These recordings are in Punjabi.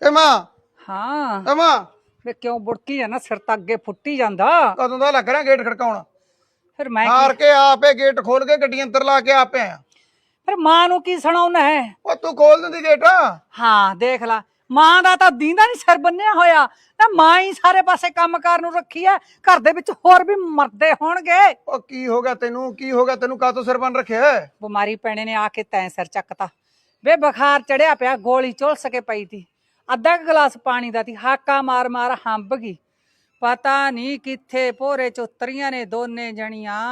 ਕਿੱਥੇ ਮਾਂ? ਹਾਂ ਮਾਂ ਵੇ ਕਿਉਂ ਬੁੜਕੀ ਜਾਂਦਾ, ਸਿਰ ਤਾਂ ਅੱਗੇ ਫੁੱਟੀ ਜਾਂਦਾ। ਕਦੋਂ ਦਾ ਲੱਗ ਰਿਹਾ ਗੇਟ ਖੜਕਾਉਣ? ਫਿਰ ਮੈਂ ਹਾਰ ਕੇ ਆਪੇ ਗੇਟ ਖੋਲ ਕੇ ਗੱਡੀ ਅੰਦਰ ਲਾ ਕੇ ਆਪੇ ਆਇਆ। ਫਿਰ ਮਾਂ ਨੂੰ ਕੀ ਸੁਣਾਉਣਾ ਹੈ? ਉਹ ਤੂੰ ਖੋਲ ਦਿੰਦੀ ਗੇਟ। ਹਾਂ ਦੇਖ ਲਾ, ਮਾਂ ਦਾ ਤਾਂ ਦੀਂਦਾ ਨਹੀਂ ਸਿਰ ਬੰਨਿਆ ਹੋਇਆ ਨਾ, ਮਾਂ ਹੀ ਸਾਰੇ ਪਾਸੇ ਕੰਮਕਾਰ ਨੂੰ ਰੱਖੀ ਐ। ਘਰ ਦੇ ਵਿੱਚ ਹੋਰ ਵੀ ਮਰਦੇ ਹੋਣਗੇ। ਉਹ ਕੀ ਹੋ ਗਿਆ ਤੈਨੂੰ? ਕੀ ਹੋ ਗਿਆ ਤੈਨੂੰ? ਕਾਹਤੋਂ ਸਿਰ ਬੰਨ ਰੱਖਿਆ? ਬਿਮਾਰੀ ਪੈਣੇ ਨੇ ਆ ਕੇ ਤੈਂ ਸਿਰ ਚੱਕਤਾ ਵੇ। ਬੁਖਾਰ ਚੜਿਆ ਪਿਆ, ਗੋਲੀ ਝੁਲਸ ਕੇ ਪਈ ਤੀ, ਅੱਧਾ ਗਲਾਸ ਪਾਣੀ ਦਾ ਤੀ, ਹਾਕਾ ਮਾਰ ਮਾਰ ਹੰਬ ਗਈ। ਪਤਾ ਨਹੀਂ ਕਿੱਥੇ ਭੋਰੇ ਚ ਉਤਰੀਆਂ ਨੇ ਦੋਨੇ ਜਣੀਆਂ,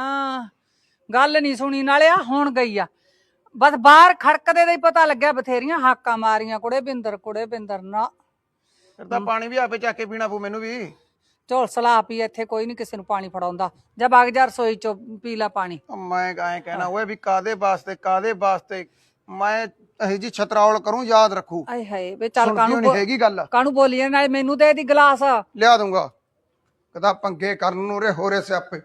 ਗੱਲ ਨਹੀਂ ਸੁਣੀ। ਨਾਲੇ ਆ ਹੁਣ ਗਈ ਆ, ਬਸ ਬਾਹਰ ਖੜਕਦੇ ਦਾ ਹੀ ਪਤਾ ਲੱਗਿਆ, ਬਥੇਰੀਆਂ ਹਾਕਾਂ ਮਾਰੀਆਂ ਕੁੜੇ ਬਿੰਦਰ ਨਾ। ਫਿਰ ਤਾਂ ਪਾਣੀ ਵੀ ਆਪੇ ਚੱਕ ਕੇ ਪੀਣਾ ਪਊ ਮੈਨੂੰ ਵੀ। ਝੋਲਸਲਾ ਪੀ, ਇੱਥੇ ਕੋਈ ਨਹੀਂ ਕਿਸੇ ਨੂੰ ਪਾਣੀ ਫੜਾਉਂਦਾ। ਜਾਂ ਵਗ ਜਾ ਰਸੋਈ ਚੋਂ ਪੀ ਲਾ ਪਾਣੀ। ਮੈਂ ਐਂ ਕਹਿਣਾ ਓਏ ਵੀ ਕਾਦੇ ਵਾਸਤੇ ਮੈਂ ਇਹ ਜੀ ਛਤਰਾਵਲ ਕਰੂੰ, ਯਾਦ ਰੱਖੂ। ਆਏ ਹਾਏ ਵੇ ਚੱਲ ਕਾਹਨੂੰ ਹੈਗੀ ਗੱਲ? ਕਾਹਨੂੰ ਬੋਲੀ ਨਾਲੇ ਮੈਨੂੰ ਦੇ ਦੀ ਗਲਾਸ। ਲਿਆ ਦੂੰਗਾ। ਕਦਾ ਪੰਗੇ ਕਰਨ ਨੂੰ ਰੇ ਹੋਰੇ ਸਿਆਪੇ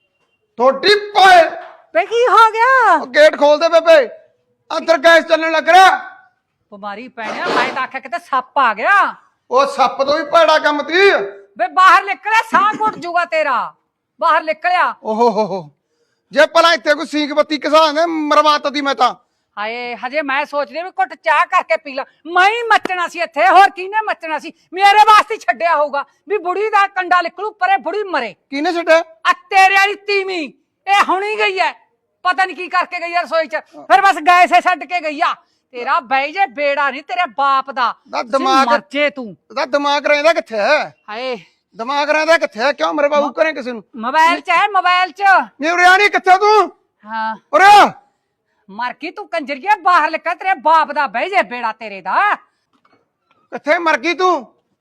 ਥੋੜੀ ਪਾਏ। ਵੇ ਕੀ ਹੋ ਗਿਆ? ਗੇਟ ਖੋਲ ਦੇ ਬੇਬੇ, ਅੰਦਰ ਗੈਸ ਚੱਲਣ ਲੱਗ ਰਿਹਾ। ਬਿਮਾਰੀ ਪੈਣਿਆ, ਮੈਂ ਤਾਂ ਆਖਿਆ ਕਿਤੇ ਸੱਪ ਆ ਗਿਆ। ਉਹ ਸੱਪ ਤੋਂ ਵੀ ਭੈੜਾ ਕੰਮ ਤੀ। ਵੇ ਬਾਹਰ ਨਿਕਲਿਆ, ਸਾਹ ਘੁੱਟ ਜੂਗਾ ਤੇਰਾ। ਬਾਹਰ ਨਿਕਲਿਆ। ਓਹੋ ਹੋ, ਜੇ ਭਲਾ ਇੱਥੇ ਕੋਈ ਸੀਂਕ ਬੱਤੀ ਘਸਾ ਦੇ ਮਰਵਾਤ ਦੀ ਮੈਂ ਤਾਂ। ਹਾਏ ਹਜੇ ਮੈਂ ਸੋਚਦੀ ਵੀ ਘੁੱਟ ਚਾਹ ਕਰਕੇ ਪੀ ਲਾ। ਮੈਂ ਹੀ ਮੱਚਣਾ ਸੀ ਇੱਥੇ, ਹੋਰ ਕਿਹਨੇ ਮੱਚਣਾ ਸੀ? ਮੇਰੇ ਵਾਸਤੇ ਛੱਡਿਆ ਹੋਊਗਾ ਵੀ ਬੁੜੀ ਦਾ ਕੰਡਾ ਨਿਕਲੂ ਪਰੇ, ਬੁੜੀ ਮਰੇ। ਕਿਹਨੇ ਛੱਡਿਆ? ਆ ਤੇਰੇ ਵਾਲੀ ਤੀਵੀਂ, ਇਹ ਹੁਣੀ ਗਈ ਐ, ਪਤਾ ਨਹੀਂ ਕੀ ਕਰਕੇ ਗਈ ਐ ਰਸੋਈ ਚ। ਫਿਰ ਬਸ ਗੈਸੇ ਛੱਡ ਕੇ ਗਈ ਆ। ਤੇਰਾ ਬਈ ਜੇ ਬੇੜਾ ਨਹੀਂ ਤੇਰੇ ਬਾਪ ਦਾ। ਦਿਮਾਗ ਮਰਜੇ ਤੂੰ। ਉਹਦਾ ਦਿਮਾਗ ਰਹਿੰਦਾ ਕਿੱਥੇ ਹੈ? ਹਾਏ ਦਿਮਾਗ ਰਹਿੰਦਾ ਕਿੱਥੇ ਹੈ? ਕਿਉਂ ਮੇਰੇ ਬਾਬੂ ਕਰੇ ਕਿਸੇ ਨੂੰ? ਮੋਬਾਈਲ ਚ ਹੈ, ਮੋਬਾਈਲ ਚ। ਨਹੀਂ ਉਰਿਆ ਨਹੀਂ, ਕਿੱਥੇ ਤੂੰ? ਹਾਂ ਉਰਿਆ ਮਰ ਗਈ ਤੂੰ ਕੰਜਰੀਏ, ਬਾਹਰ ਨਿਕਲ, ਤੇਰੇ ਬਾਪ ਦਾ ਬਈ ਜੇ ਬੇੜਾ ਤੇਰੇ ਦਾ। ਕਿੱਥੇ ਮਰ ਗਈ ਤੂੰ?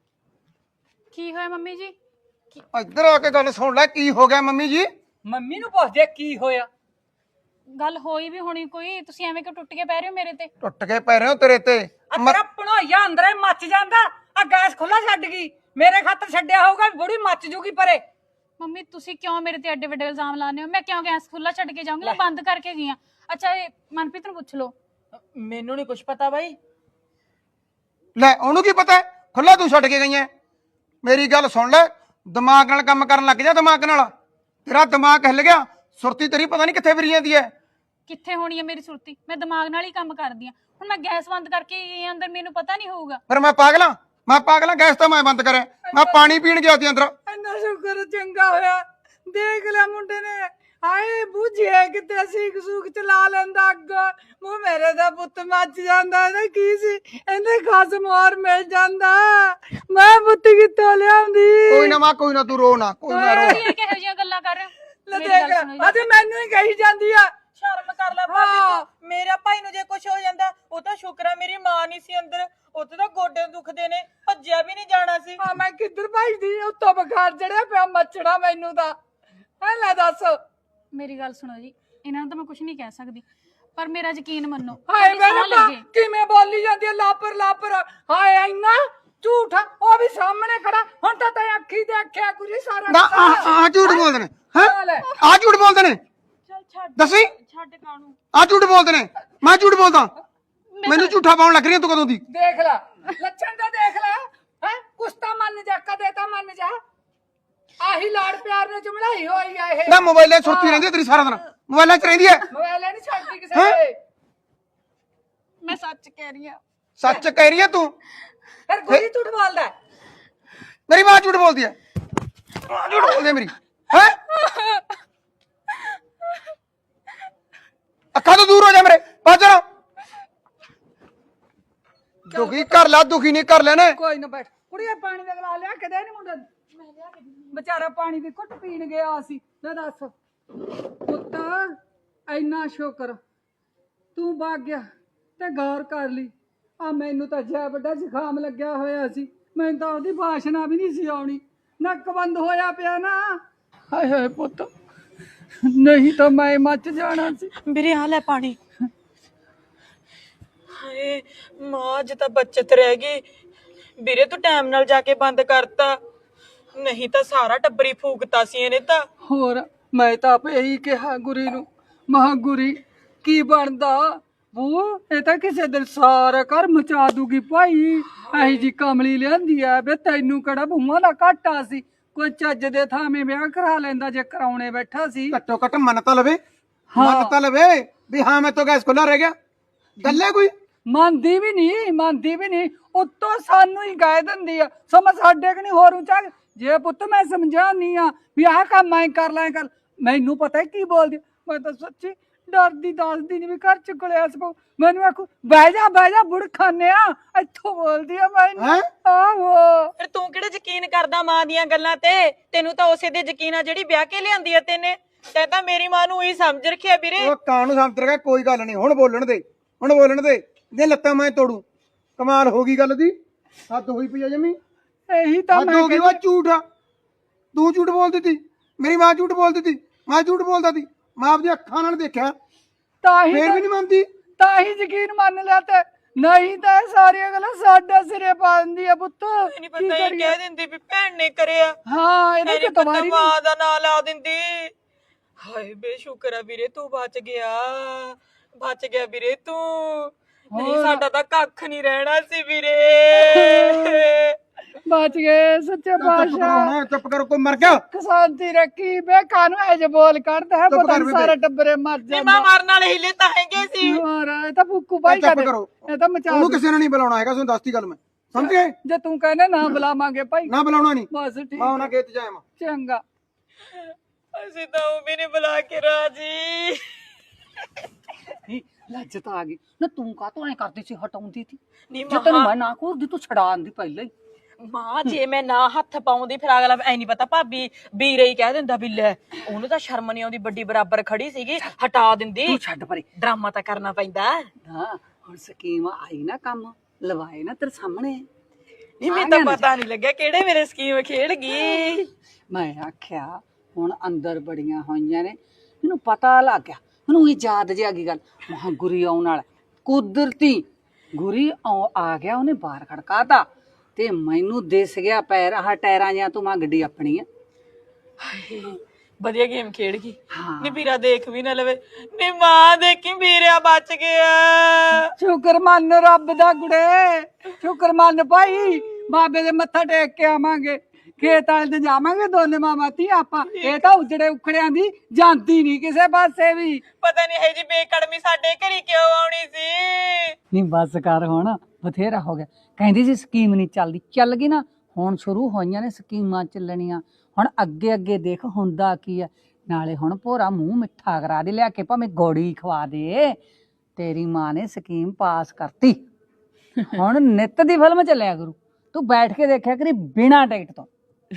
ਕੀ ਹੋਇਆ ਮੰਮੀ ਜੀ? ਇੱਧਰ ਆ ਕੇ ਗੱਲ ਸੁਣ ਲੈ। ਕੀ ਹੋ ਗਿਆ ਮੰਮੀ ਜੀ? ਮੰਮੀ ਨੂੰ ਪੁੱਛਦੇ ਕੀ ਹੋਇਆ। ਗੱਲ ਹੋਈ ਵੀ ਹੋਣੀ ਕੋਈ, ਤੁਸੀਂ ਐਵੇਂ ਕਿਉਂ ਟੁੱਟ ਕੇ ਪੈ ਰਹੇ ਹੋ ਮੇਰੇ ਤੇ? ਟੁੱਟ ਕੇ ਪੈ ਰਹੇ ਹੋ ਤੇਰੇ ਤੇ। ਤੇਰਾ ਭਣੋਈਆ ਅੰਦਰੇ ਮੱਚ ਜਾਂਦਾ। ਆ ਗੈਸ ਖੁੱਲਾ ਛੱਡ ਗਈ, ਮੇਰੇ ਖਾਤਰ ਛੱਡਿਆ ਹੋਊਗਾ, ਬੁੜੀ ਮੱਚ ਜੂਗੀ ਪਰੇ। ਮੰਮੀ ਤੁਸੀਂ ਕਿਉਂ ਮੇਰੇ ਤੇ ਐਡੇ ਵੱਡੇ ਇਲਜ਼ਾਮ ਲਾਉਂਦੇ ਹੋ? ਮੈਂ ਕਿਉਂ ਗੈਸ ਖੁੱਲਾ ਛੱਡ ਕੇ ਜਾਊਂਗੀ? ਮੈਂ ਬੰਦ ਕਰਕੇ ਗਈ ਆ। ਅੱਛਾ ਇਹ ਮਨਪ੍ਰੀਤ ਨੂੰ ਪੁੱਛ ਲਓ। ਮੈਨੂੰ ਨਹੀਂ ਕੁਝ ਪਤਾ ਬਾਈ। ਲੈ ਉਹਨੂੰ ਕੀ ਪਤਾ? ਖੁੱਲਾ ਤੂੰ ਛੱਡ ਕੇ ਗਈ ਐ। ਮੇਰੀ ਗੱਲ ਸੁਣ ਲੈ, ਦਿਮਾਗ ਨਾਲ ਕੰਮ ਕਰਨ ਲੱਗ ਜਾ। ਦਿਮਾਗ ਨਾਲ ਤੇਰਾ ਦਿਮਾਗ ਹਿੱਲ ਗਿਆ, ਸੁਰਤੀ ਤੇਰੀ ਪਤਾ ਨਹੀਂ ਕਿੱਥੇ ਫਿਰੀ ਜਾਂਦੀ ਐ। ਕਿੱਥੇ ਹੋਣੀ ਹੈ ਮੇਰੀ ਸੁਰਤੀ? ਮੈਂ ਦਿਮਾਗ ਨਾਲ ਹੀ ਕੰਮ ਕਰਦੀ ਆ। ਹੁਣ ਮੈਂ ਗੈਸ ਬੰਦ ਕਰਕੇ ਗਈ ਅੰਦਰ, ਮੈਨੂੰ ਪਤਾ ਨਹੀਂ ਹੋਊਗਾ। ਫਿਰ ਮੈਂ ਪਾਗਲਾਂ ਗੈਸ ਤਾਂ ਮੈਂ ਬੰਦ ਕਰਿਆ। ਮੈਂ ਪਾਣੀ ਪੀਣ ਗਿਆ ਸੀ ਅੰਦਰ। ਇੰਨਾ ਸ਼ੁਕਰ ਚੰਗਾ ਹੋਇਆ, ਦੇਖ ਲਿਆ ਮੁੰਡੇ ਨੇ। ਹਾਏ ਬੁਝੇ ਕਿਤੇ ਸੀਖ ਸੂਖ ਚਲਾ ਲੈਂਦਾ ਅੱਗ। ਮੂੰਹ ਮੇਰੇ ਦਾ ਪੁੱਤ ਮੱਚ ਜਾਂਦਾ। ਇਹਦਾ ਕੀ ਸੀ, ਇਹਦੇ ਖਸਮ ਹੋਰ ਮਿਲ ਜਾਂਦਾ। ਮੈਂ ਪੁੱਤ ਕਿੱਥੋਂ ਲਿਆਉਂਦੀ? ਕੋਈ ਨਾ ਤੂੰ ਰੋ ਨਾ, ਕੋਈ ਨਾ ਰੋ। ਇਹ ਕਿਹੋ ਜਿਹੀਆਂ ਗੱਲਾਂ ਕਰ ਰਹੇ ਹੋ? ਲੈ ਮੇਰੀ ਗੱਲ ਦੇਖ, ਸੁਣੋ ਅੱਜ ਮੈਨੂੰ ਹੀ ਕਹੀ ਜਾਂਦੀ ਆ। ਸ਼ਰਮ ਕਰ ਲੈ ਭਾਬੀ ਤੂੰ। ਮੇਰਾ ਭਾਈ ਨੂੰ ਜੇ ਕੁਝ ਹੋ ਜਾਂਦਾ, ਉਹ ਤਾਂ ਸ਼ੁਕਰ ਆ ਮੇਰੀ ਮਾਂ ਨਹੀਂ ਸੀ ਅੰਦਰ। ਉੱਥੇ ਤਾਂ ਗੋਡੇ ਦੁਖਦੇ ਨੇ, ਭੱਜਿਆ ਵੀ ਨਹੀਂ ਜਾਣਾ ਸੀ। ਹਾਂ ਮੈਂ ਕਿੱਧਰ ਭੱਜਦੀ? ਉੱਤੋਂ ਬੁਖਾਰ ਚੜਿਆ ਪਿਆ, ਮੱਛੜਾ ਮੈਨੂੰ ਤਾਂ। ਹੈ ਲੈ ਦੱਸ। ਮੇਰੀ ਗੱਲ ਸੁਣੋ ਜੀ, ਇਹਨਾਂ ਨੂੰ ਤਾਂ ਮੈਂ ਕੁਝ ਨਹੀਂ ਕਹਿ ਸਕਦੀ, ਪਰ ਮੇਰਾ ਯਕੀਨ ਮੰਨੋ। ਹਾਏ ਤੁਹਾਡੀ ਮੇਰੇ ਸਹੁੰ ਲੱਗੇ। ਕਿਵੇਂ ਬੋਲੀ ਜਾਂਦੀ ਹੈ ਲਾਪਰ। ਹਾਏ ਇੰਨਾ ਝੂਠਾ, ਉਹ ਵੀ ਸਾਹਮਣੇ ਖੜਾ। ਹੁਣ ਤਾਂ ਤੈਂ ਅੱਖੀ ਦੇਖਿਆ ਕੁਝ ਸਾਰਾ। ਨਾ ਆ ਝੂਠ ਬੋਲਦੇ ਨੇ ਹੈ? ਆ ਝੂਠ ਬੋਲਦੇ ਨੇ? ਚੱਲ ਛੱਡ ਦੱਸੀ, ਛੱਡ ਕਾਣੂ। ਆ ਝੂਠ ਬੋਲਦੇ ਨੇ? ਮੈਂ ਝੂਠ ਬੋਲਦਾ? ਮੈਨੂੰ ਝੂਠਾ ਪਾਉਣ ਲੱਗ ਰਹੀ ਤੂੰ ਕਦੋਂ ਦੀ? ਦੇਖ ਲੈ ਲੱਛਣ ਤਾਂ ਦੇਖ ਲੈ। ਹੈ ਕੁਛ ਤਾਂ ਮੰਨ ਜਾ, ਕਦੇ ਤਾਂ ਮੰਨ ਜਾ। ਆਹੀ ਲਾੜ ਪਿਆਰ ਨੇ ਚਮੜਾਈ ਹੋਈ ਆ ਇਹ। ਨਾ ਮੋਬਾਈਲਾਂ 'ਚ ਸੁਰਤੀ ਰਹਿੰਦੀ ਹੈ ਤੇਰੀ ਸਾਰਾ ਦਿਨ, ਮੋਬਾਈਲਾਂ 'ਚ ਰਹਿੰਦੀ ਹੈ। ਮੋਬਾਈਲ ਨਹੀਂ ਛੱਡਦੀ ਕਿਸੇ ਵੇਲੇ। ਮੈਂ ਸੱਚ ਕਹਿ ਰਹੀ ਆ। ਸੱਚ ਕਹਿ ਰਹੀ ਹੈ ਤੂੰ? ਫਿਰ ਗੁਰੀ ਝੂਠ ਬੋਲਦਾ ਹੈ। ਮੇਰੀ ਮਾਂ ਝੂਠ ਬੋਲਦੀ ਹੈ। ਮਾਂ ਝੂਠ ਬੋਲਦੀ ਹੈ ਮੇਰੀ ਹੈ। ਅੱਖਾਂ ਤੋਂ ਦੂਰ ਹੋ ਜਾ ਮੇਰੇ, ਬਾਜਰਾ। ਦੁਖੀ ਕਰ ਲੈ, ਦੁਖੀ ਨਹੀਂ ਕਰ ਲੈਣੇ। ਕੋਈ ਨਾ ਬੈਠ ਕੁੜੀਏ, ਪਾਣੀ ਦਾ ਗਲਾ ਲਿਆ ਕੇ ਦੇ ਨੀ ਮੁੰਡੇ ਨੂੰ। ਵਿਚਾਰਾ ਪਾਣੀ ਦੀ ਘੁੱਟ ਪੀਣ ਗਿਆ ਸੀ। ਲੈ ਦੱਸ ਪੁੱਤ, ਇੰਨਾ ਸ਼ੁਕਰ ਤੂੰ ਵਗ ਗਿਆ ਤੇ ਗੌਰ ਕਰ ਲਈ। ਆ ਮੈਨੂੰ ਤਾਂ ਜੈ ਵੱਡਾ ਜ਼ੁਕਾਮ ਲੱਗਿਆ ਹੋਇਆ ਸੀ, ਮੈਨੂੰ ਤਾਂ ਉਹਦੀ ਬਾਸ਼ਨਾ ਵੀ ਨਹੀਂ ਸੀ ਆਉਣੀ। ਨੱਕ ਬੰਦ ਹੋਇਆ ਪਿਆ ਨਾ। ਹਾਏ ਹਾਏ ਪੁੱਤ, ਨਹੀਂ ਤਾਂ ਮੈਂ ਮੱਚ ਜਾਣਾ ਸੀ। ਵੀਰੇ ਆ ਲੈ ਪਾਣੀ। ਹਾਏ ਮਾਂ, ਅੱਜ ਤਾਂ ਬੱਚਤ ਰਹਿ ਗਈ। ਵੀਰੇ ਤੂੰ ਟਾਈਮ ਨਾਲ ਜਾ ਕੇ ਬੰਦ ਕਰਤਾ, ਨਹੀਂ ਤਾਂ ਸਾਰਾ ਟੱਬਰੀ ਫੂਕਤਾ ਸੀ ਇਹਨੇ ਤਾਂ। ਹੋਰ ਮੈਂ ਤਾਂ ਆਪ ਇਹੀ ਕਿਹਾ ਗੁਰੀ ਨੂੰ, ਮਹਾ ਗੁਰੀ ਕੀ ਬਣਦਾ ਬੂ ਇਹ ਤਾਂ ਕਿਸੇ ਦਿਨ ਸਾਰਾ ਘਰ ਮਚਾ ਦੂਗੀ ਭਾਈ। ਐਹੀ ਜੀ ਕਮਲੀ ਲਿਆਂਦੀ ਆ ਬੇ, ਤੈਨੂੰ ਕਿਹੜਾ ਬੂਹਾਂ ਦਾ ਘਾਟਾ ਸੀ? ਕੋਈ ਚੱਜ ਦੇ ਥਾਵੇਂ ਵਿਆਹ ਕਰਾ ਲੈਂਦਾ ਜੇ ਕਰਾਉਣੇ ਬੈਠਾ ਸੀ। ਘੱਟੋ ਘੱਟ ਮੰਨ ਤਾਂ ਲਵੇ, ਹਾਂ। ਮੰਨ ਤਾਂ ਲਵੇ ਵੀ ਹਾਂ ਮੈਂ ਤੋਂ ਗੈਸ ਖੁੱਲਾ ਰਹਿ ਗਿਆ। ਗੱਲ ਹੈ ਕੋਈ? ਮੰਨਦੀ ਵੀ ਨਹੀਂ ਉੱਤੋਂ ਸਾਨੂੰ ਹੀ ਕਹਿ ਦਿੰਦੀ ਆ ਸਮਝ ਸਾਡੇ ਕਿ ਨਹੀਂ ਹੋਰ ਉੱਚਾ। ਜੇ ਪੁੱਤ ਮੈਂ ਸਮਝਾਨੀ ਆ ਵੀ ਆਹ ਕੰਮ ਐ ਕਰ ਲੈ ਕਰ, ਮੈਨੂੰ ਪਤਾ ਕੀ ਬੋਲਦੀ। ਮੈਂ ਤਾਂ ਸੱਚੀ ਡਰਦੀ ਦੱਸਦੀ ਨਹੀਂ ਵੀ ਘਰ ਚ ਕਲੇਸ਼ ਪਊ। ਮੈਨੂੰ ਆਖੂ ਬਹਿ ਜਾ ਬੁੜ ਖਾਨਿਆ, ਇੱਥੋਂ ਬੋਲਦੀ ਆ ਮੈਨੂੰ। ਹੈਂ? ਆਹੋ ਫਿਰ ਤੂੰ ਕਿਹੜਾ ਯਕੀਨ ਕਰਦਾ ਮਾਂ ਦੀਆਂ ਗੱਲਾਂ ਤੇ? ਤੈਨੂੰ ਤਾਂ ਉਸੇ ਦੇ ਯਕੀਨ ਆ ਜਿਹੜੀ ਵਿਆਹ ਕੇ ਲਿਆਂਦੀ ਆ ਤੈਨੇ। ਤੈਂ ਤਾਂ ਮੇਰੀ ਮਾਂ ਨੂੰ ਹੀ ਸਮਝ ਰੱਖਿਆ ਵੀਰੇ। ਉਹ ਕਾਨੂੰ ਸਮਝ ਰਿਹਾ, ਕੋਈ ਗੱਲ ਨਹੀਂ, ਹੁਣ ਬੋਲਣ ਦੇ ਜੇ ਲੱਤਾਂ ਮੈਂ ਤੋੜੂ। ਕਮਾਲ ਹੋ ਗਈ ਗੱਲ ਦੀ, ਹੱਦ ਹੋਈ ਪਈ ਆ ਜਮੀ। ਇਹੀ ਤਾਂ ਹੱਦ ਮੈਂ ਹੋ ਗਈ। ਉਹ ਝੂਠ ਆ, ਤੂੰ ਝੂਠ ਬੋਲਦੀ ਤੀ, ਮੇਰੀ ਮਾਂ ਝੂਠ ਬੋਲਦੀ ਤੀ, ਮੈਂ ਝੂਠ ਬੋਲਦਾ ਤੀ। ਮੈਂ ਆਪਦੀ ਅੱਖਾਂ ਨਾਲ ਦੇਖਿਆ, ਤਾਂ ਹੀ ਫੇਰ ਵੀ ਨਹੀਂ ਮੰਨਦੀ। ਤਾਂ ਹੀ ਯਕੀਨ ਮੰਨ ਲਿਆ ਤੇ ਨਹੀਂ ਤਾਂ ਇਹ ਸਾਰੀਆਂ ਗੱਲਾਂ ਸਾਡਾ ਸਿਰੇ ਪਾ ਦਿੰਦੀ ਆ ਪੁੱਤ। ਨਹੀਂ ਪਤਾ ਇਹ ਕਹਿ ਦਿੰਦੀ ਵੀ ਭੈਣ ਨੇ ਕਰਿਆ। ਹਾਂ ਇਹਦੇ ਇਹਨੇ ਤੇ ਪਤਾ ਤੁਹਾਡੀ ਮਾਂ ਦਾ ਨਾਂ ਲਾ ਦਿੰਦੀ। ਹਾਏ ਬੇਸ਼ੁਕਰ ਆ ਵੀਰੇ, ਤੂੰ ਬਚ ਗਿਆ ਵੀਰੇ ਤੂੰ। ਨਹੀਂ ਸਾਡਾ ਤਾਂ ਕੱਖ ਨਹੀਂ ਰਹਿਣਾ ਸੀ ਵੀਰੇ। ਬਚ ਗਏ ਸੱਚੇ ਪਾਤਸ਼ਾਹ। ਚੁੱਪ ਕਰ, ਕੋਈ ਮਰ ਗਿਆ। ਸ਼ਾਂਤੀ ਰੱਖੀ ਬੇ ਕਾਨੂੰ ਇਹ ਜੇ ਬੋਲ ਕੱਢਦਾ ਹੈ, ਚੁੱਪ ਪਤਾ ਕਰ ਨੀ ਬੇਬੇ। ਸਾਰਾ ਟੱਬਰੇ ਮਰ ਨਹੀਂ ਜਾਂਦਾ। ਮਾਂ ਮਾਰਨ ਵਾਲੇ ਹਿੱਲੇ ਤਾਂ ਹੈਗੇ ਸੀ। ਹੋਰ ਇਹ ਤਾਂ ਫੁੱਕੂ ਭਾਈ ਚੁੱਪ ਕਰੇ ਕਰੋ, ਇਹ ਤਾਂ ਮਚਾ ਉਹਨੂੰ ਦੂ। ਕਿਸੇ ਨੇ ਨਹੀਂ ਬੁਲਾਉਣਾ ਹੈਗਾ, ਤੁਹਾਨੂੰ ਦੱਸਤੀ ਗੱਲ ਮੈਂ, ਸਮਝ ਗਏ? ਜੇ ਤੂੰ ਕਹਿੰਦਾ ਨਾ ਬੁਲਾਵਾਂਗੇ ਭਾਈ ਨਾ ਬੁਲਾਉਣਾ ਨਹੀਂ, ਬਸ ਠੀਕ ਮੈਂ ਉਹਨਾਂ ਖੇਤ ਜਾਇਆ ਮੈਂ। ਚੰਗਾ। ਅਸੀਂ ਤਾਂ ਉਹ ਵੀ ਨਹੀਂ ਬੁਲਾ ਕੇ ਰਾਜੀ। ਲੱਜਤ ਆ ਗਈ ਨਾ, ਤੂੰ ਕਾਹਤੋਂ ਐ ਕਰਦੀ ਸੀ ਹਟਾਉਂਦੀ ਸੀ? ਨਹੀਂ ਜੇ ਤੈਨੂੰ ਮੈਂ ਨਾ ਕਰਦੀ ਤੂੰ ਛਡਾਉਂਦੀ ਪਹਿਲਾਂ ਹੀ। ਮਾਂ ਜੇ ਮੈਂ ਨਾ ਹੱਥ ਪਾਉਂਦੀ ਫਿਰ ਅਗਲਾ ਐ ਨਹੀਂ ਪਤਾ ਭਾਬੀ ਵੀਰੇ ਹੀ ਕਹਿ ਦਿੰਦਾ ਵੀ ਲੈ ਉਹਨੂੰ ਤਾਂ ਸ਼ਰਮ ਨਹੀਂ ਆਉਂਦੀ, ਵੱਡੀ ਬਰਾਬਰ ਖੜੀ ਸੀਗੀ ਹਟਾ ਦਿੰਦੀ। ਤੂੰ ਛੱਡ ਪਰੇ, ਡਰਾਮਾ ਤਾਂ ਕਰਨਾ ਪੈਂਦਾ। ਹਾਂ ਹੁਣ ਸਕੀਮ ਆਈ ਨਾ, ਕੰਮ ਲਵਾਏ ਨਾ ਤੇਰੇ ਸਾਹਮਣੇ। ਨਹੀਂ ਮੈਨੂੰ ਤਾਂ ਪਤਾ ਨਹੀਂ ਲੱਗਿਆ ਕਿਹੜੇ ਮੇਰੇ ਸਕੀਮ ਖੇਡ ਗਈ। ਮੈਂ ਆਖਿਆ ਹੁਣ ਅੰਦਰ ਬੜੀਆਂ ਹੋਈਆਂ ਨੇ, ਮੈਨੂੰ ਪਤਾ ਲੱਗ ਗਿਆ। ਮੈਨੂੰ ਇਹ ਯਾਦ ਜਿਹਾ ਗਈ ਗੱਲ, ਮਹਾ ਗੁਰੀ ਆਉਣ ਵਾਲਾ। ਕੁਦਰਤੀ ਗੁਰੀ ਆ ਗਿਆ, ਉਹਨੇ ਬਾਹਰ ਖੜਕਾਤਾ ਤੇ ਮੈਨੂੰ ਦਿਸ ਗਿਆ ਪੈਰ ਆਹ ਟਾਇਰਾਂ ਜਾਂ ਤੂੰ ਗੱਡੀ ਆਪਣੀ ਆ। ਵਧੀਆ ਗੇਮ ਖੇਡ ਗਈ। ਹਾਂ। ਨੀ ਵੀਰਾ ਦੇਖ ਵੀ ਨਾ ਲਵੇ। ਨੀ ਮਾਂ ਦੇਖੀ ਵੀਰਿਆ ਬਚ ਗਿਆ। ਸ਼ੁਕਰ ਮੰਨ ਰੱਬ ਦਾ ਗੁੜੇ, ਸ਼ੁਕਰ ਮੰਨ ਭਾਈ। ਬਾਬੇ ਦੇ ਮੱਥਾ ਟੇਕ ਕੇ ਆਵਾਂਗੇ, ਖੇਤ ਵਾਲੇ ਤੇ ਜਾਵਾਂਗੇ ਦੋਨੇ ਮਾਮਾ ਧੀ ਆਪਾਂ। ਇਹ ਤਾਂ ਉਜੜੇ ਉਖੜਿਆਂ ਦੀ ਜਾਂਦੀ ਨਹੀਂ ਕਿਸੇ ਪਾਸੇ ਵੀ। ਪਤਾ ਨਹੀਂ ਹੈ ਜੀ ਬੇਕੜਮੀ ਸਾਡੇ ਘਰੀ ਕਿਉਂ ਆਉਣੀ ਸੀ। ਨਹੀਂ ਬਸ ਕਰ, ਹੁਣ ਬਥੇਰਾ ਹੋ ਗਿਆ। ਕਹਿੰਦੀ ਸੀ ਸਕੀਮ ਨਹੀਂ ਚੱਲਦੀ, ਚੱਲ ਗਈ ਨਾ। ਹੁਣ ਸ਼ੁਰੂ ਹੋਈਆਂ ਨੇ ਸਕੀਮਾਂ ਚੱਲਣੀਆਂ। ਹੁਣ ਅੱਗੇ ਅੱਗੇ ਦੇਖ ਹੁੰਦਾ ਕੀ ਹੈ। ਨਾਲੇ ਹੁਣ ਭੋਰਾ ਮੂੰਹ ਮਿੱਠਾ ਕਰਾ ਦੇ, ਲਿਆ ਕੇ ਭਾਵੇਂ ਗੋੜੀ ਖਵਾ ਦੇ। ਤੇਰੀ ਮਾਂ ਨੇ ਸਕੀਮ ਪਾਸ ਕਰਤੀ, ਹੁਣ ਨਿੱਤ ਦੀ ਫਿਲਮ ਚੱਲਿਆ ਕਰੂ। ਤੂੰ ਬੈਠ ਕੇ ਦੇਖਿਆ ਕਰੀ ਬਿਨਾਂ ਟਿਕਟ ਤੋਂ।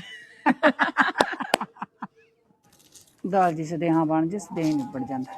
ਦਾਲ ਜਿਸ ਦੇ ਹਾਂ ਬਣ ਜਿਸ ਦੇ ਨਿਬੜ ਜਾਂਦਾ।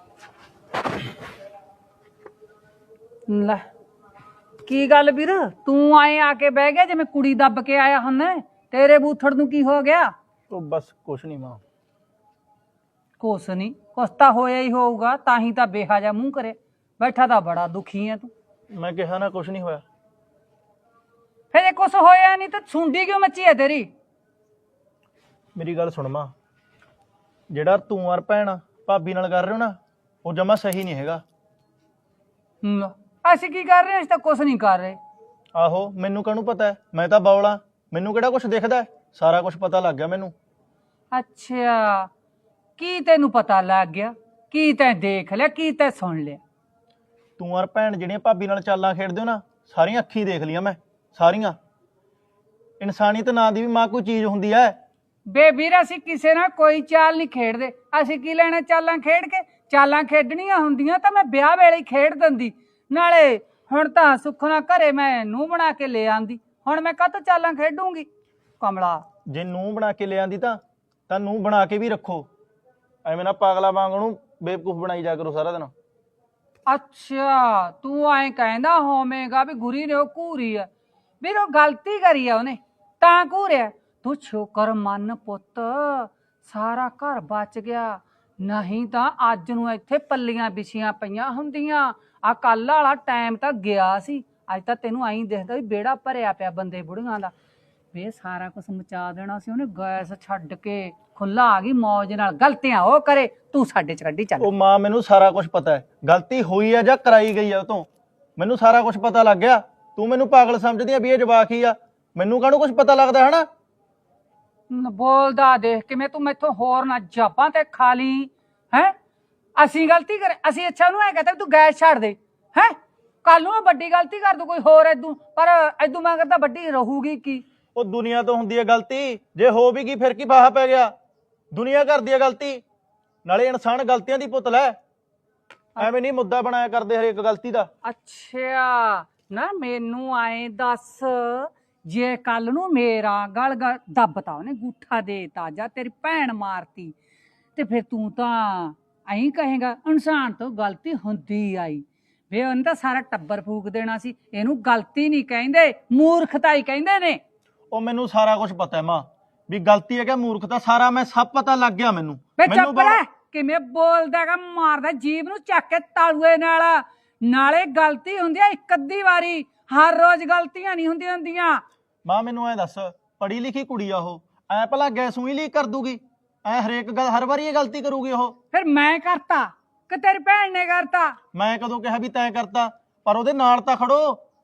ਲੈ ਕੀ ਗੱਲ ਵੀਰ, ਤੂੰ ਆਏ ਆ ਕੇ ਬਹਿ ਗਿਆ ਜਿਵੇਂ ਕੁੜੀ ਦੱਬ ਕੇ ਆਇਆ ਹੁੰਨਾ। ਤੇਰੇ ਬੂਥੜ ਨੂੰ ਕੀ ਹੋ ਗਿਆ? ਉਹ ਬਸ ਕੁਛ ਨਹੀਂ ਮਾਂ। ਕੁਛ ਨਹੀਂ, ਕੁਛ ਤਾਂ ਹੋਇਆ ਹੀ ਹੋਊਗਾ, ਤਾਂ ਹੀ ਤਾਂ ਬੇਹਾ ਜਾ ਮੂੰਹ ਕਰੇ ਬੈਠਾ। ਤਾਂ ਬੜਾ ਦੁਖੀ ਆ ਤੂੰ। ਮੈਂ ਕਿਹਾ ਨਾ ਕੁਛ ਨਹੀਂ ਹੋਇਆ। ਫਿਰ ਇਹ ਕੁਛ ਹੋਇਆ ਨਹੀਂ ਤਾਂ ਸੁੰਡੀ ਕਿਉਂ ਮੱਚੀ ਹੈ ਤੇਰੀ? ਮੇਰੀ ਗੱਲ ਸੁਣ ਮਾਂ, ਜਿਹੜਾ ਤੂੰ ਔਰ ਭੈਣ ਭਾਬੀ ਨਾਲ ਕਰ ਰਹੇ ਹੋ ਨਾ, ਉਹ ਜਮਾ ਸਹੀ ਨਹੀਂ ਹੈਗਾ। ਅਸੀਂ ਕੀ ਕਰ ਰਹੇ ਹਾਂ? ਅਸੀਂ ਤਾਂ ਕੁਛ ਨਹੀਂ ਕਰ ਰਹੇ। ਆਹੋ ਮੈਨੂੰ ਕਾਹਨੂੰ ਪਤਾ ਹੈ, ਮੈਂ ਤਾਂ ਬੌਲਾ, ਮੈਨੂੰ ਕਿਹੜਾ ਕੁਛ ਦਿਖਦਾ ਹੈ? ਸਾਰਾ ਕੁਛ ਪਤਾ ਲੱਗ ਗਿਆ ਮੈਨੂੰ। ਅੱਛਾ, ਕੀ ਤੈਨੂੰ ਪਤਾ ਲੱਗ ਗਿਆ? ਕੀ ਤੈਂ ਦੇਖ ਲਿਆ? ਕੀ ਤੈਂ ਸੁਣ ਲਿਆ? ਤੂੰ ਔਰ ਭੈਣ ਜਿਹੜੀਆਂ ਭਾਬੀ ਨਾਲ ਚਾਲਾਂ ਖੇਡਦੇ ਹੋ ਨਾ, ਸਾਰੀਆਂ ਅੱਖੀਂ ਦੇਖ ਲਈਆਂ ਮੈਂ, ਸਾਰੀਆਂ। ਇਨਸਾਨੀਅਤ ਨਾਂ ਦੀ ਵੀ ਮਾਂ ਕੋਈ ਚੀਜ਼ ਹੁੰਦੀ ਹੈ। ਬੇ ਵੀਰ ਅਸੀਂ ਕਿਸੇ ਨਾਲ ਕੋਈ ਚਾਲ ਨਹੀਂ ਖੇਡਦੇ। ਅਸੀਂ ਕੀ ਲੈਣਾ ਚਾਲਾਂ ਖੇਡ ਕੇ? ਚਾਲਾਂ ਖੇਡਣੀਆਂ ਹੁੰਦੀਆਂ ਤਾਂ ਮੈਂ ਵਿਆਹ ਵੇਲੇ ਹੀ ਖੇਡ ਦਿੰਦੀ। ਨਾਲੇ ਹੁਣ ਤਾਂ ਸੁੱਖ ਨਾਲ ਘਰੇ ਮੈਂ ਨੂੰਹ ਬਣਾ ਕੇ ਲੈ ਆਂਦੀ, ਹੁਣ ਮੈਂ ਕਾਹਤੋਂ ਚਾਲਾਂ ਖੇਡੂੰਗੀ ਕਮਲਾ। ਜੇ ਨੂੰਹ ਬਣਾ ਕੇ ਲਿਆਂਦੀ ਤਾਂ ਨੂੰਹ ਬਣਾ ਕੇ ਵੀ ਰੱਖੋ। ਐਵੇਂ ਨਾ ਪਾਗਲਾ ਵਾਂਗ ਉਹਨੂੰ ਬੇਵਕੂਫ ਬਣਾਈ ਜਾ ਕਰੋ ਸਾਰਾ ਦਿਨ। ਅੱਛਾ ਤੂੰ ਐਂ ਕਹਿੰਦਾ ਹੋਵੇਂਗਾ ਵੀ ਗੁਰੀ ਨੇ ਉਹ ਘੂਰੀ ਆ। ਵੀਰ ਉਹ ਗਲਤੀ ਕਰੀ ਆ ਉਹਨੇ ਤਾਂ ਘੂਰਿਆ। ਤੂੰ ਸ਼ੁਕਰ ਮੰਨ ਪੁੱਤ, ਸਾਰਾ ਘਰ ਬਚ ਗਿਆ। ਨਹੀਂ ਤਾਂ ਅੱਜ ਨੂੰ ਇੱਥੇ ਪੱਲੀਆਂ ਵਿਛੀਆਂ ਪਈਆਂ ਹੁੰਦੀਆਂ। ਆ ਕੱਲ ਵਾਲਾ ਟਾਈਮ ਤਾਂ ਗਿਆ ਸੀ। ਅੱਜ ਤਾਂ ਤੈਨੂੰ ਐਂ ਦਿਖਦਾ ਵੀ ਵਿਹੜਾ ਭਰਿਆ ਪਿਆ ਬੰਦੇ ਬੁੜੀਆਂ ਦਾ। ਵੇ ਸਾਰਾ ਕੁਝ ਮਚਾ ਦੇਣਾ ਸੀ ਉਹਨੇ, ਗੈਸ ਛੱਡ ਕੇ ਖੁੱਲਾ ਆ ਗਈ ਮੌਜ ਨਾਲ। ਗਲਤੀਆਂ ਉਹ ਕਰੇ, ਤੂੰ ਸਾਡੇ ਚ ਕੱਢੀ ਚੱਲ। ਉਹ ਮਾਂ ਮੈਨੂੰ ਸਾਰਾ ਕੁਝ ਪਤਾ ਹੈ, ਗਲਤੀ ਹੋਈ ਹੈ ਜਾਂ ਕਰਾਈ ਗਈ ਹੈ ਉਹ ਤੋਂ, ਮੈਨੂੰ ਸਾਰਾ ਕੁਝ ਪਤਾ ਲੱਗ ਗਿਆ। ਤੂੰ ਮੈਨੂੰ ਪਾਗਲ ਸਮਝਦੀ ਆ ਵੀ ਇਹ ਜਵਾਕ ਹੀ ਆ, ਮੈਨੂੰ ਕਾਹਨੂੰ ਕੁਝ ਪਤਾ ਲੱਗਦਾ ਹਨਾ। ਬੋਲਦਾ ਦੇਖ ਕਿਵੇਂ ਤੂੰ ਮੈਥੋਂ ਹੋਰ ਨਾ ਜਾਪਾਂ ਤੇ ਖਾ ਲਈ ਹੈ। ਅਸੀਂ ਗਲਤੀ ਕਰੇ, ਅਸੀਂ ਅੱਛਾ ਉਹਨੂੰ ਐ ਕਹਤਾ ਵੀ ਤੂੰ ਗੈਸ ਛੱਡ ਦੇ ਹੈ, ਕੱਲ ਨੂੰ ਵੱਡੀ ਗਲਤੀ ਕਰ ਦੂ ਕੋਈ ਹੋਰ ਏਦੂ, ਪਰ ਏਦੂ ਮੈਂ ਕਰਦਾ ਵੱਡੀ ਰਹੂਗੀ ਕੀ। ਉਹ ਦੁਨੀਆ ਤੋਂ ਹੁੰਦੀ ਹੈ ਗਲਤੀ, ਜੇ ਹੋ ਵੀ ਗਈ ਫਿਰ ਕੀ ਫਾਹਾ ਪੈ ਗਿਆ, ਦੁਨੀਆ ਕਰਦੀ ਹੈ ਗਲਤੀ, ਨਾਲੇ ਇਨਸਾਨ ਗਲਤੀਆਂ ਦੀ ਪੁਤਲਾ ਹੈ, ਐਵੇਂ ਨਹੀਂ ਮੁੱਦਾ ਬਣਾਇਆ ਕਰਦੇ ਹਰੇਕ ਗਲਤੀ ਦਾ। ਅੱਛਾ ਨਾ ਮੈਨੂੰ ਆਏ ਦੱਸ, ਜੇ ਕੱਲ ਨੂੰ ਮੇਰਾ ਗਲ ਦੱਬਤਾ ਉਹਨੇ, ਗੂਠਾ ਦੇਤਾ ਜਾਂ ਤੇਰੀ ਭੈਣ ਮਾਰਤੀ, ਤੇ ਫਿਰ ਤੂੰ ਤਾਂ ਐਂ ਕਹੇਗਾ ਇਨਸਾਨ ਤੋਂ ਗਲਤੀ ਹੁੰਦੀ ਆਈ। ਵੇ ਉਹਨੇ ਤਾਂ ਸਾਰਾ ਟੱਬਰ ਫੂਕ ਦੇਣਾ ਸੀ। ਇਹਨੂੰ ਗਲਤੀ ਨਹੀਂ ਕਹਿੰਦੇ, ਮੂਰਖਤਾ ਹੀ ਕਹਿੰਦੇ ਨੇ। ਉਹ ਮੈਨੂੰ ਸਾਰਾ ਕੁਝ ਪਤਾ ਹੈ ਮਾਂ, ਵੀ ਗਲਤੀ ਹੈ ਕਿ ਮੂਰਖਤਾ, ਸਾਰਾ ਮੈਂ ਸਭ ਪਤਾ ਲੱਗ ਗਿਆ ਮੈਨੂੰ। ਵੇ ਚੁੱਪ ਰਹਿ, ਕਿਵੇਂ ਬੋਲਦਾਗਾ, ਮਾਰਦਾ ਜੀਭ ਨੂੰ ਚੱਕ ਕੇ ਤਾਲੂਏ ਨਾਲ। ਨਾਲੇ ਗਲਤੀ ਹੁੰਦੀ ਆ ਇੱਕ ਅੱਧੀ ਵਾਰੀ, ਹਰ ਰੋਜ਼ ਗਲਤੀਆਂ ਨਹੀਂ ਹੁੰਦੀਆਂ। ਮਾਂ ਮੈਨੂੰ ਐ ਦੱਸ, ਪੜ੍ਹੀ ਲਿਖੀ ਕੁੜੀ ਆ ਉਹ, ਐ ਭਲਾ ਗੈਸੂ ਹੀ ਲੀਕ ਕਰ ਦੂਗੀ, ਐ ਹਰੇਕ ਗੱਲ ਹਰ ਵਾਰੀ ਇਹ ਗਲਤੀ ਕਰੂਗੀ ਉਹ। ਫਿਰ ਮੈਂ ਕਰਤਾ ਕਿ ਤੇਰੀ ਭੈਣ ਨੇ ਕਰਤਾ? ਮੈਂ ਕਦੋਂ ਕਿਹਾ ਵੀ ਤੈਂ ਕਰਤਾ, ਪਰ ਉਹਦੇ ਨਾਲ ਤਾਂ ਖੜੋ।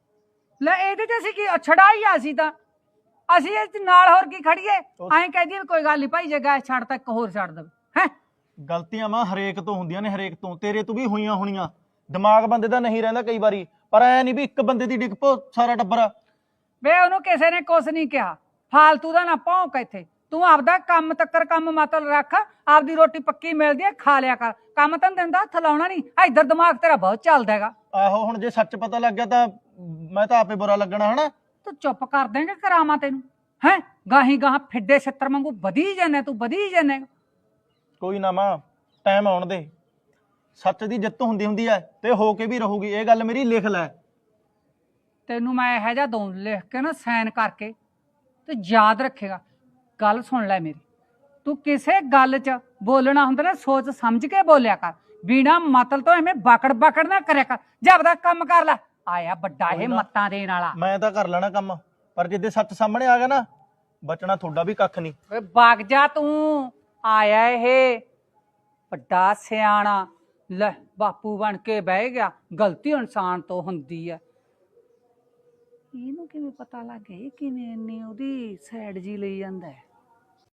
ਲੈ ਇਹਦੇ ਚ ਅਸੀਂ ਕੀ ਛੜਾਈ ਆ, ਅਸੀਂ ਇਹ ਨਾਲ ਹੋਰ ਕੀ ਖੜੀਏ? ਐਂ ਕਹਦੀ ਕੋਈ ਗੱਲ ਨਹੀਂ ਭਾਈ, ਜੇ ਗੈਸ ਛੱਡਤਾ ਇੱਕ ਹੋਰ ਛੱਡ ਦੇਵੇ ਹੈ। ਗਲਤੀਆਂ ਮਾਂ ਹਰੇਕ ਤੋਂ ਹੁੰਦੀਆਂ ਨੇ, ਹਰੇਕ ਤੋਂ, ਤੇਰੇ ਤੋਂ ਵੀ ਹੋਈਆਂ ਹੋਣੀਆਂ। ਦਿਮਾਗ ਬੰਦੇ ਦਾ ਨਹੀਂ ਰਹਿੰਦਾ ਕਈ ਵਾਰੀ, ਪਰ ਐ ਨਹੀਂ ਵੀ ਇੱਕ ਬੰਦੇ ਦੀ ਡਿੱਗ ਪੋ ਸਾਰਾ ਟੱਬਰ। ਵੇ ਉਹਨੂੰ ਕਿਸੇ ਨੇ ਕੁਛ ਨਹੀਂ ਕਿਹਾ, ਫਾਲਤੂ ਦਾ ਨਾ ਭੌਂਕ ਇੱਥੇ। ਤੂੰ ਆਪਦਾ ਕੰਮ ਤੱਕਰ ਕੰਮ ਮਤਲਬ ਰੱਖ, ਆਪਦੀ ਰੋਟੀ ਪੱਕੀ ਮਿਲਦੀ ਹੈ ਖਾ ਲਿਆ ਕਰ, ਕੰਮ ਤਾਂ ਦਿੰਦਾ ਹੱਥ ਲਾਉਣਾ ਨਹੀਂ। ਇੱਧਰ ਦਿਮਾਗ ਤੇਰਾ ਬਹੁਤ ਚੱਲਦਾ ਹੈਗਾ। ਆਹੋ ਹੁਣ ਜੇ ਸੱਚ ਪਤਾ ਲੱਗ ਗਿਆ ਤਾਂ ਮੈਂ ਤਾਂ ਆਪੇ ਬੁਰਾ ਲੱਗਣਾ ਹਨਾ। ਤੂੰ ਚੁੱਪ ਕਰ ਦੇਂਗੇ ਕਰਾਵਾਂ ਤੈਨੂੰ ਹੈ, ਗਾਹੀ ਗਾਹਾਂ ਫਿੱਡੇ ਛਿੱਤਰ ਵਾਂਗੂ ਵਧੀ ਜਾਂਦੇ ਤੂੰ, ਵਧੀ ਜਾਂਦੇ। ਕੋਈ ਨਾ ਮਾਂ, ਟਾਈਮ ਆਉਣ ਦੇ, ਸੱਚ ਦੀ ਜਿੱਤ ਹੁੰਦੀ ਹੈ ਤੇ ਹੋ ਕੇ ਵੀ ਰਹੂਗੀ, ਇਹ ਗੱਲ ਮੇਰੀ ਲਿਖ ਲੈ। ਤੈਨੂੰ ਮੈਂ ਇਹੋ ਜਿਹਾ ਦਊਂ ਲਿਖ ਕੇ ਨਾ, ਸਾਈਨ ਕਰਕੇ, ਤੇ ਯਾਦ ਰੱਖੇਗਾ। ਗੱਲ ਸੁਣ ਲੈ ਮੇਰੀ, ਤੂੰ ਕਿਸੇ ਗੱਲ 'ਚ ਬੋਲਣਾ ਹੁੰਦਾ ਨਾ ਸੋਚ ਸਮਝ ਕੇ ਬੋਲਿਆ ਕਰ, ਬਿਨਾ ਮਤਲਬ ਤੋਂ ਐਵੇਂ ਬਾਕੜ ਨਾ ਕਰਿਆ ਕਰ। ਜਾ ਆਪਦਾ ਕੰਮ ਕਰ ਲੈ, ਆਇਆ ਵੱਡਾ ਇਹ ਮੱਤਾਂ ਦੇਣ ਵਾਲਾ। ਮੈਂ ਤਾਂ ਕਰ ਲੈਣਾ ਕੰਮ, ਪਰ ਜਿੱਦੇ ਸੱਚ ਸਾਹਮਣੇ ਆ ਗਿਆ ਨਾ, ਬਚਣਾ ਤੁਹਾਡਾ ਵੀ ਕੱਖ ਨਹੀਂ। ਓਏ ਵਗ ਜਾ ਤੂੰ, ਆਇਆ ਇਹ ਵੱਡਾ ਸਿਆਣਾ, ਲੈ ਬਾਪੂ ਬਣ ਕੇ ਬਹਿ ਗਿਆ। ਗਲਤੀ ਇਨਸਾਨ ਤੋਂ ਹੁੰਦੀ ਹੈ। ਇਹਨੂੰ ਕਿਵੇਂ ਪਤਾ ਲੱਗ ਗਿਆ, ਕਿਵੇਂ ਇੰਨੀ ਉਹਦੀ ਸਾਈਡ ਜੀ ਲਈ ਜਾਂਦਾ ਹੈ?